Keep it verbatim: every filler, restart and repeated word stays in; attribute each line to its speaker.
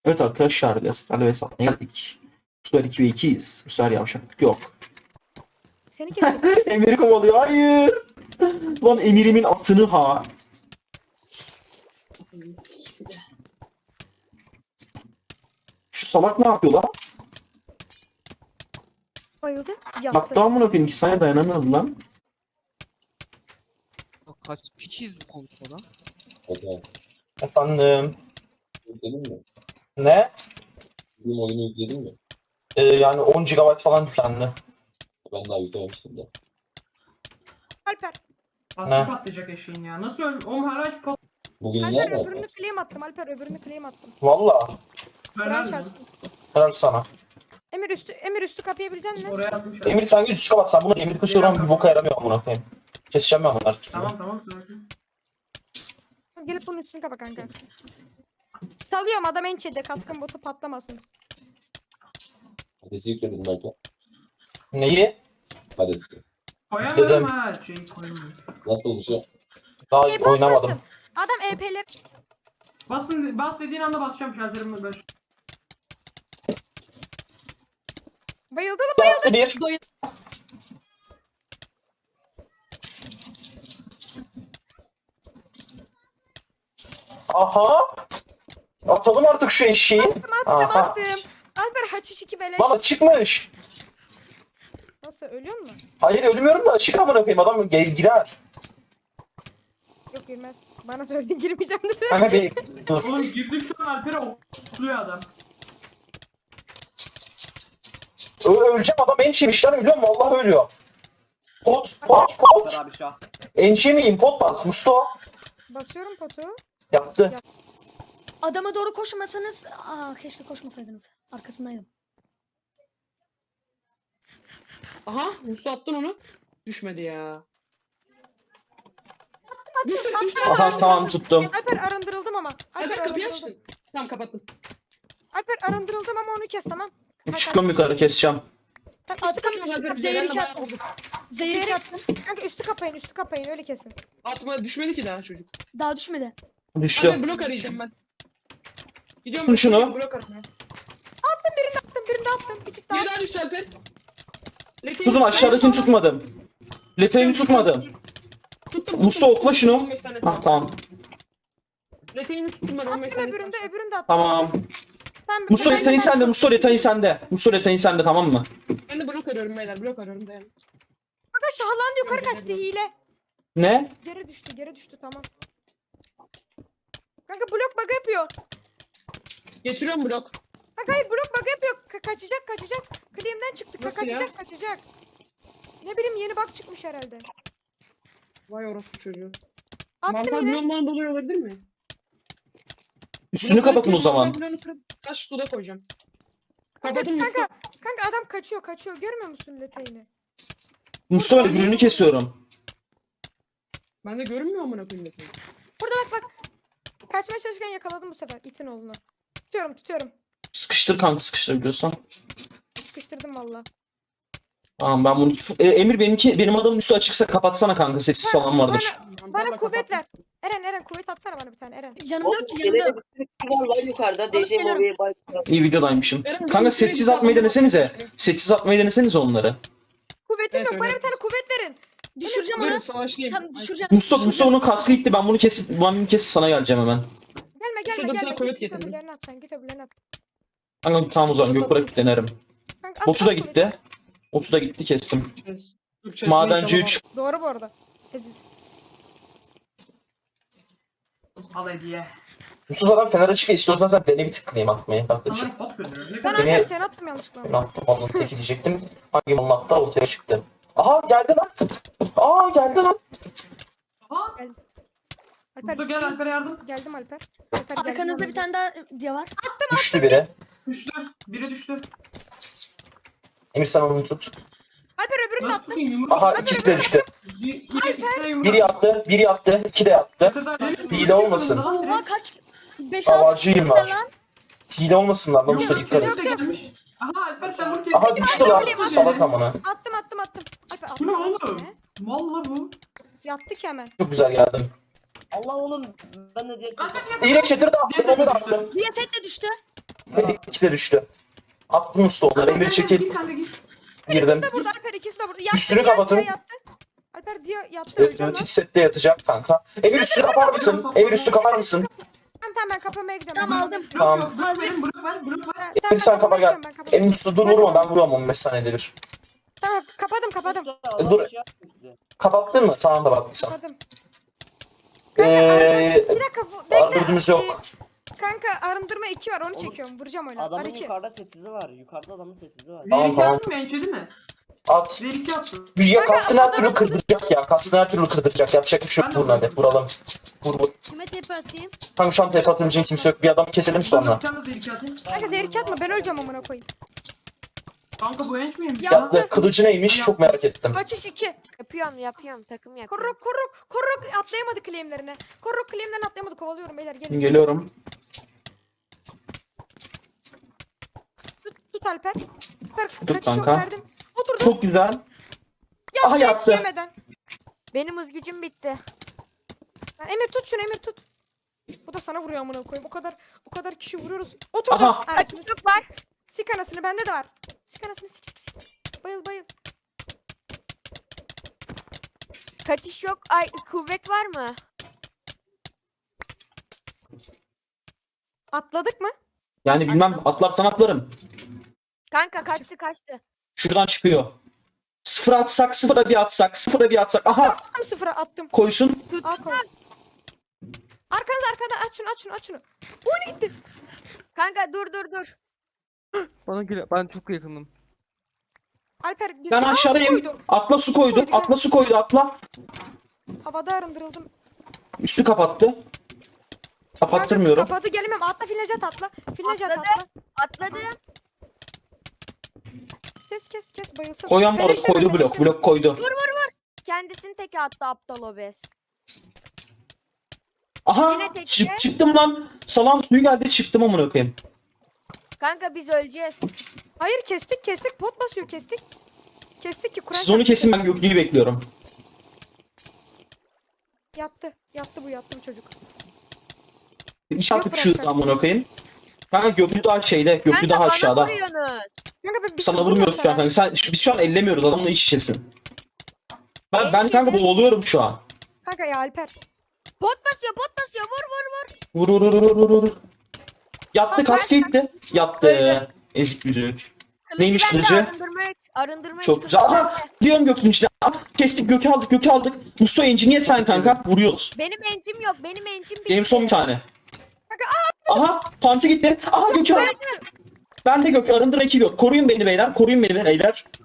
Speaker 1: Evet arkadaşlar, Gaspar'la hesapla geldik. Bu sefer iki ve ikiyiz. Bu sefer yavşaklık yok.
Speaker 2: Seni kesecek. Seni
Speaker 1: Emir'i kovalıyor. Hayır. Lan Emir'imin atını ha. Şu salak ne yapıyor lan?
Speaker 2: bayıldı. Yattı.
Speaker 1: Hatta amına koyayım, iki saniye dayanamıyordu lan.
Speaker 3: Bak kaç piçiz bu konuşmada.
Speaker 4: Hadi
Speaker 1: Efendim.
Speaker 4: yükledin mi?
Speaker 1: Ne?
Speaker 4: Benim oyunu yükledin mi?
Speaker 1: Ee, yani on gigabayt falan yüklendi.
Speaker 4: Ben daha yüklememiştim de.
Speaker 2: Alper.
Speaker 5: Aslı
Speaker 1: Ne?
Speaker 5: patlayacak eşeğin ya. Nasıl öl? Oğlum her ay pat...
Speaker 4: Bugün
Speaker 2: Alper
Speaker 4: nerede
Speaker 2: öbürünü
Speaker 4: Alper?
Speaker 2: claim attım. Alper öbürünü claim attım.
Speaker 1: Valla.
Speaker 2: Kur'an
Speaker 5: Helal mi?
Speaker 2: çarpsın.
Speaker 1: Helal sana.
Speaker 2: Emir üstü Emir üstü kapayabilecek misin?
Speaker 5: Oraya atmış.
Speaker 1: Emir sen git üstüne bak, sen bunu Emir kışıran bir boka yaramıyor amına koyayım. Keseceğim ben bunları.
Speaker 5: Tamam tamam sakin.
Speaker 2: Gelip bunun üstünü kapa kanka. Salıyorum adam en çede kaskın botu patlamasın.
Speaker 4: Hades'i yükledin mi Alper?
Speaker 1: Neyi?
Speaker 4: Hades'i.
Speaker 5: Koyamıyorum
Speaker 1: Dedim.
Speaker 5: ha. Şeyi koyamıyorum.
Speaker 4: Nasılmış o?
Speaker 1: Daha
Speaker 2: E
Speaker 1: oynamadım.
Speaker 2: patlasın. Adam E P'ler.
Speaker 5: Basın, bas dediğin anda basacağım şalterimi ben.
Speaker 2: Bayıldı mı?
Speaker 1: Yaptı bir. Aha. Atalım artık şu eşeği.
Speaker 2: Attım
Speaker 1: Aha.
Speaker 2: attım. Alper haçiş iki beleş.
Speaker 1: Bana çıkmış.
Speaker 2: Nasıl ölüyor mu?
Speaker 1: Hayır ölmüyorum da açık amına koyayım, adam gel girer.
Speaker 2: Yok girmez. Bana söyledin girmeyeceğim dedi.
Speaker 1: Kanka bir dur.
Speaker 5: Oğlum girdi şu an Alper'e okluyor adam.
Speaker 1: Ö öleceğim, adam enşemiş lan, ölüyor mu? Vallahi ölüyor. Pot pot pot. Enşe miyim? Pot bas Musto.
Speaker 2: Basıyorum potu.
Speaker 1: Yaptı.
Speaker 6: Adama doğru koşmasanız, aa keşke koşmasaydınız. Arkasındaydım.
Speaker 7: Aha, Musa attın onu. Düşmedi ya. Düştü, düştü.
Speaker 1: Aha tamam tuttum.
Speaker 2: Alper arındırıldım ama. Alper
Speaker 7: Alper kapıyı
Speaker 2: arındırıldım.
Speaker 7: açtın. Tamam kapattım.
Speaker 2: Alper arındırıldım ama onu kes tamam. Kaç,
Speaker 1: Çıkıyorum
Speaker 2: kaç.
Speaker 1: yukarı, keseceğim.
Speaker 2: Tamam, üstü kapayın, üstü
Speaker 7: Hazır
Speaker 2: kapayın.
Speaker 6: Zehir
Speaker 7: Zeynep'le
Speaker 6: iki
Speaker 7: bayağı
Speaker 6: attım.
Speaker 7: vurduk.
Speaker 6: Zehir iki attım.
Speaker 2: Kanka üstü kapayın, üstü kapayın öyle kesin.
Speaker 7: Atma düşmedi ki daha çocuk.
Speaker 6: Daha düşmedi.
Speaker 1: Düştü.
Speaker 7: Alper blok arayacağım ben. Gidiyorum.
Speaker 1: Tut şunu.
Speaker 7: Blok aramaya.
Speaker 2: Attım birini de attım. Bir tık daha.
Speaker 7: Bir daha düştü Alper. Lete'yi-
Speaker 1: Kuzum aşağıdakini tutmadım. Letayı tutmadım.
Speaker 7: Tuttum,
Speaker 1: Musa
Speaker 7: tuttum.
Speaker 1: okla şunu.
Speaker 7: on beş saniye
Speaker 1: Ah tamam.
Speaker 7: Lete'yi tuttum ben on beş
Speaker 2: Attım
Speaker 7: saniye.
Speaker 2: öbürünü de öbürünü de attım.
Speaker 1: Tamam.
Speaker 2: Sen,
Speaker 1: Musto
Speaker 2: ben-
Speaker 1: letayı
Speaker 2: ben-
Speaker 1: sende. Musto letayı sende. Musto letayı sende, tamam mı?
Speaker 7: Ben de blok arıyorum beyler. Blok arıyorum dayan.
Speaker 2: Kanka şahlandı yukarı kaçtı hile.
Speaker 1: Ne?
Speaker 2: Geri düştü geri düştü tamam. Kanka blok bug yapıyor.
Speaker 7: Getiriyorum blok.
Speaker 2: Kanka hayır blok bug yapıyor. Ka- kaçacak kaçacak. Claim'den çıktı. Ka-
Speaker 7: Nasıl ya?
Speaker 2: kaçacak kaçacak. Ne bileyim yeni bug çıkmış herhalde.
Speaker 7: Vay orospu çocuğu.
Speaker 2: Attım
Speaker 7: Mantar
Speaker 2: yine.
Speaker 7: bloğundan dolayı olabilir mi?
Speaker 1: Üstünü kapatın o zaman.
Speaker 7: Mantar bloğunu kırıp taş suda koyacağım. Kapadım Musa.
Speaker 2: Kanka, kanka adam kaçıyor kaçıyor. Görmüyor musun letayını?
Speaker 1: Musto ben öbürünü kesiyorum.
Speaker 7: Ben de görünmüyor amına koyayım Lete'yi.
Speaker 2: Burada bak bak. Kaçmaya çalışırken yakaladım bu sefer itin oğlunu. Tutuyorum tutuyorum.
Speaker 1: Sıkıştır kanka, sıkıştır biliyorsan.
Speaker 2: Sıkıştırdım valla.
Speaker 1: Tamam ben bunu... E, Emir benimki, benim adamın üstü açıksa kapatsana kanka, sessiz falan vardır.
Speaker 2: Bana, bana kuvvet ver. Eren Eren kuvvet atsana bana bir tane Eren.
Speaker 6: Yanımda yok ki yanımda yok.
Speaker 8: Var lan yukarıda. D J
Speaker 6: geliyorum.
Speaker 8: Mobi'ye bak.
Speaker 1: İyi videodaymışım.
Speaker 7: Eren,
Speaker 1: Kanka
Speaker 7: benim
Speaker 1: sessiz
Speaker 7: sürekli
Speaker 1: atmayı
Speaker 7: adamı-
Speaker 1: denesenize. Sessiz atmayı denesenize onları.
Speaker 2: Kuvvetim
Speaker 7: Evet,
Speaker 2: yok bana
Speaker 7: öyle
Speaker 2: bir tane kuvvet verin.
Speaker 6: Düşüreceğim onu.
Speaker 7: Buyurun savaşlayayım.
Speaker 6: Tam düşüreceğim.
Speaker 1: Musto, Musto onun kaskı gitti, ben bunu kesip, ben bunu kesip sana geleceğim hemen.
Speaker 2: Gelme gelme
Speaker 7: Şurada
Speaker 2: gelme.
Speaker 7: sana kuvvet
Speaker 2: Git
Speaker 7: getirdim.
Speaker 2: öbürlerini at sen git öbürlerini at.
Speaker 1: Kanka tamam o zaman Gökbırak denerim.
Speaker 2: Kanka, at,
Speaker 1: Botu da
Speaker 2: at kuvveti.
Speaker 1: gitti. Botu da gitti, kestim.
Speaker 7: Türkçe
Speaker 1: Madenci
Speaker 7: inşallah
Speaker 1: üç.
Speaker 2: Doğru bu arada. Aziz.
Speaker 5: Al hediye.
Speaker 1: Musto zaten fener açık ya, istiyorsan sen dene bir tıklayayım atmayı kardeşim.
Speaker 5: Onları pot gönderiyor. Ne
Speaker 2: Ben
Speaker 5: kadar?
Speaker 1: Beni-
Speaker 2: Alper seni attım yanlışlıkla.
Speaker 1: Ben attım, onu teki diyecektim. Hangi malın attı ortaya çıktı. Aha geldi lan. Aa geldi lan.
Speaker 5: Aha.
Speaker 2: Alper
Speaker 5: Musa gel
Speaker 2: ciddi
Speaker 5: Alper'e yardım.
Speaker 2: misin? Geldim Alper. Alper geldim
Speaker 6: Arkanızda
Speaker 2: yanına.
Speaker 6: bir tane daha diye var.
Speaker 1: Düştü biri.
Speaker 5: Düştü. Biri düştü.
Speaker 1: Emir sen onu tut.
Speaker 2: Alper öbürünü de
Speaker 5: Nasıl
Speaker 2: attım.
Speaker 5: tutayım yumruk?
Speaker 1: Aha ikisi de düştü.
Speaker 5: Bir, iki, ikisi de yumruk.
Speaker 1: Biri yattı, biri yattı, iki de yattı. Hile olmasın.
Speaker 6: Oha kaç? beş altı
Speaker 1: Havacıyım
Speaker 6: kişi
Speaker 1: var.
Speaker 6: lan.
Speaker 1: Hile olmasınlar lan, Musto dikkat et.
Speaker 5: Yok, yok, gelmiş. Aha Alper sen vur ki.
Speaker 1: Aha düştü lan, salak amına.
Speaker 2: Attım attım attım. Alper
Speaker 5: Bu ne
Speaker 2: attım.
Speaker 5: oğlum?
Speaker 2: Ne?
Speaker 5: Valla bu.
Speaker 2: Yattı ki hemen.
Speaker 1: Çok güzel geldim.
Speaker 8: Allah oğlum ben de diye.
Speaker 5: Lan, lan, lan.
Speaker 1: İğne çatır da attım, onu da attım.
Speaker 6: Diye set de düştü.
Speaker 1: İkisi de düştü. Attım usta onları. Emir çekil.
Speaker 5: Git sen de git.
Speaker 1: Girdim.
Speaker 2: İkisi de burada Alper ikisi de burada. Yattı,
Speaker 1: Üstünü
Speaker 2: diğer-
Speaker 1: kapatın.
Speaker 2: diğer yattı. Alper diye yattı öleceğim lan.
Speaker 1: Evet, sette yatacak kanka. Emir üstü kapar mısın? Emir üstü kapar mısın?
Speaker 2: Tamam tamam ben kapamaya gidiyorum.
Speaker 6: Tamam, aldım.
Speaker 5: Blok
Speaker 1: Tamam.
Speaker 5: yok. Blok verin, blok ver, blok ver.
Speaker 2: Tamam,
Speaker 1: Emir
Speaker 2: ben
Speaker 1: sen kapa
Speaker 2: kapamaya
Speaker 1: gel.
Speaker 2: gidiyorum, ben kapamaya
Speaker 1: Emir üstü dur vurma ben vuruyorum on beş saniyede bir.
Speaker 2: Tamam kapadım kapadım.
Speaker 1: Dur. Kapattın mı? Tamam da baktıysan.
Speaker 2: Kapadım.
Speaker 1: Eee...
Speaker 2: Bir dakika bu- bekle.
Speaker 1: Arındırımız yok.
Speaker 2: Ee, Kanka arındırma iki var onu çekiyorum. Vuracağım öyle.
Speaker 9: Adamın
Speaker 2: Ar iki.
Speaker 9: yukarıda setizi var. Yukarıda adamın setizi var.
Speaker 1: Tamam,
Speaker 5: Zehir iki
Speaker 1: tamam.
Speaker 5: attın mı? Ençedi mi?
Speaker 1: At.
Speaker 5: Zehir iki attın.
Speaker 1: Ya
Speaker 2: Kanka,
Speaker 1: kastını her
Speaker 2: adamı-
Speaker 1: türlü kırdıracak ya. Kastını her türlü kırdıracak. Yapacak bir şey yok. Vurun hadi. Vuralım. Vur vur.
Speaker 6: Kime tepe atayım?
Speaker 1: Kanka şu an tepe atabilecek kimse yok. Bir adamı keselim sonra.
Speaker 5: Sen de zehir iki atın.
Speaker 2: Kanka zehir iki atma ben öleceğim amına koyayım.
Speaker 5: Kanka bu enç miymiş?
Speaker 2: Ya-
Speaker 1: Yattı. Kılıcı neymiş? Çok merak ettim.
Speaker 2: Kaçış iki.
Speaker 10: Yapıyorum yapıyorum takım yapıyorum.
Speaker 2: Korruk korruk korruk atlayamadı claimlerine. Korruk claimlerine atlayamadı kovalıyorum beyler gelin.
Speaker 1: Geliyorum.
Speaker 2: Tut, tut Alper. Alper
Speaker 1: Tut
Speaker 2: kaçış yok
Speaker 1: kanka.
Speaker 2: verdim. Oturdu.
Speaker 1: Çok güzel.
Speaker 2: Yaptı
Speaker 1: Aha,
Speaker 2: hiç
Speaker 1: yattı.
Speaker 2: yemeden.
Speaker 10: Benim hız gücüm bitti.
Speaker 2: Lan Emir tut şunu Emir tut. Bu da sana vuruyor amına koyayım. O kadar o kadar kişi vuruyoruz. Oturdu.
Speaker 1: Aha.
Speaker 2: Anasını
Speaker 10: Kaçış
Speaker 2: sik.
Speaker 10: yok var.
Speaker 2: Sik anasını bende de var. Sik anasını sik sik sik. Bayıl bayıl.
Speaker 10: Kaçış yok. Ay kuvvet var mı?
Speaker 2: Atladık mı?
Speaker 1: Yani bilmem atlarsan atlarım.
Speaker 10: Kanka kaçtı kaçtı.
Speaker 1: Şuradan çıkıyor. Sıfıra atsak, sıfıra bir atsak, sıfıra bir atsak. Aha!
Speaker 2: Tam sıfıra attım.
Speaker 1: Koysun.
Speaker 2: Al koy. Arkanız arkada aç şunu aç şunu aç şunu. Oyunu gitti.
Speaker 10: Kanka dur dur dur.
Speaker 3: Bana gel, ben çok yakınım.
Speaker 2: Alper biz
Speaker 1: Ben
Speaker 2: Aa, su
Speaker 1: aşağıdayım.
Speaker 2: koydu.
Speaker 1: Atla su koydu.
Speaker 2: Koydu,
Speaker 1: Atla su koydu atla.
Speaker 2: Havada arındırıldım.
Speaker 1: Üstü kapattı. Kapattırmıyorum.
Speaker 2: Kanka, kapadı gelemem. Atla filnecat atla. Filnecat
Speaker 10: Atladı.
Speaker 2: atla.
Speaker 10: Atladı.
Speaker 2: Kes kes kes bayılsın.
Speaker 1: Koyan
Speaker 2: Fener
Speaker 1: blok
Speaker 2: işleme,
Speaker 1: koydu
Speaker 2: fener
Speaker 1: blok.
Speaker 2: işleme.
Speaker 1: Blok koydu.
Speaker 10: Kendisini teke attı aptal obez.
Speaker 1: Aha!
Speaker 10: Yine tekte.
Speaker 1: Çık, çıktım lan. Salam suyu geldi çıktım amına koyayım.
Speaker 10: Kanka biz öleceğiz.
Speaker 2: Hayır kestik kestik. Pot basıyor kestik. Kestik ki Kur'an
Speaker 1: Siz onu
Speaker 2: çarptı.
Speaker 1: kesin ben Göknü'yü bekliyorum.
Speaker 2: Yattı. Yattı bu yattı bu çocuk.
Speaker 1: İnşaat
Speaker 2: Yok,
Speaker 1: uçuşu
Speaker 2: bırakacağım.
Speaker 1: amına koyayım. Kanka Göknü daha şeyde. Göknü
Speaker 10: Kanka
Speaker 1: daha
Speaker 10: bana
Speaker 1: aşağıda.
Speaker 10: vuruyorsunuz.
Speaker 2: Kanka ben bir
Speaker 1: Sana
Speaker 2: şey
Speaker 1: vurmuyoruz şu an
Speaker 2: vurmam
Speaker 1: kanka. Sen, biz şu an ellemiyoruz. Adamla iç içesin. Ben, ben
Speaker 10: Belki
Speaker 1: kanka
Speaker 10: de-
Speaker 1: boğuluyorum şu an.
Speaker 2: Kanka ya Alper.
Speaker 10: Pot basıyor pot basıyor vur vur vur.
Speaker 1: Vur vur vur vur vur vur. Yattı
Speaker 10: Bak,
Speaker 1: kaskı gitti. Yattı.
Speaker 10: Öyle.
Speaker 1: Ezik yüzük.
Speaker 10: Kılıcı
Speaker 1: Neymiş
Speaker 10: bende,
Speaker 1: kılıcı?
Speaker 10: Arındırma yük. Arındırma
Speaker 1: Çok
Speaker 10: yük.
Speaker 1: güzel. Aha! Diyorum Göknü'nün içine. Ah, kestik Gök'ü aldık Gök'ü aldık. Mustafa Enci niye sen kanka? Vuruyoruz.
Speaker 10: Benim encim yok. Benim encim bitti.
Speaker 1: Benim son bir tane. Aha! Pantı gitti. Aha Gök'ü aldık. Ben de Gök. Arındır iki Gök. Koruyun beni beyler. Koruyun beni beyler.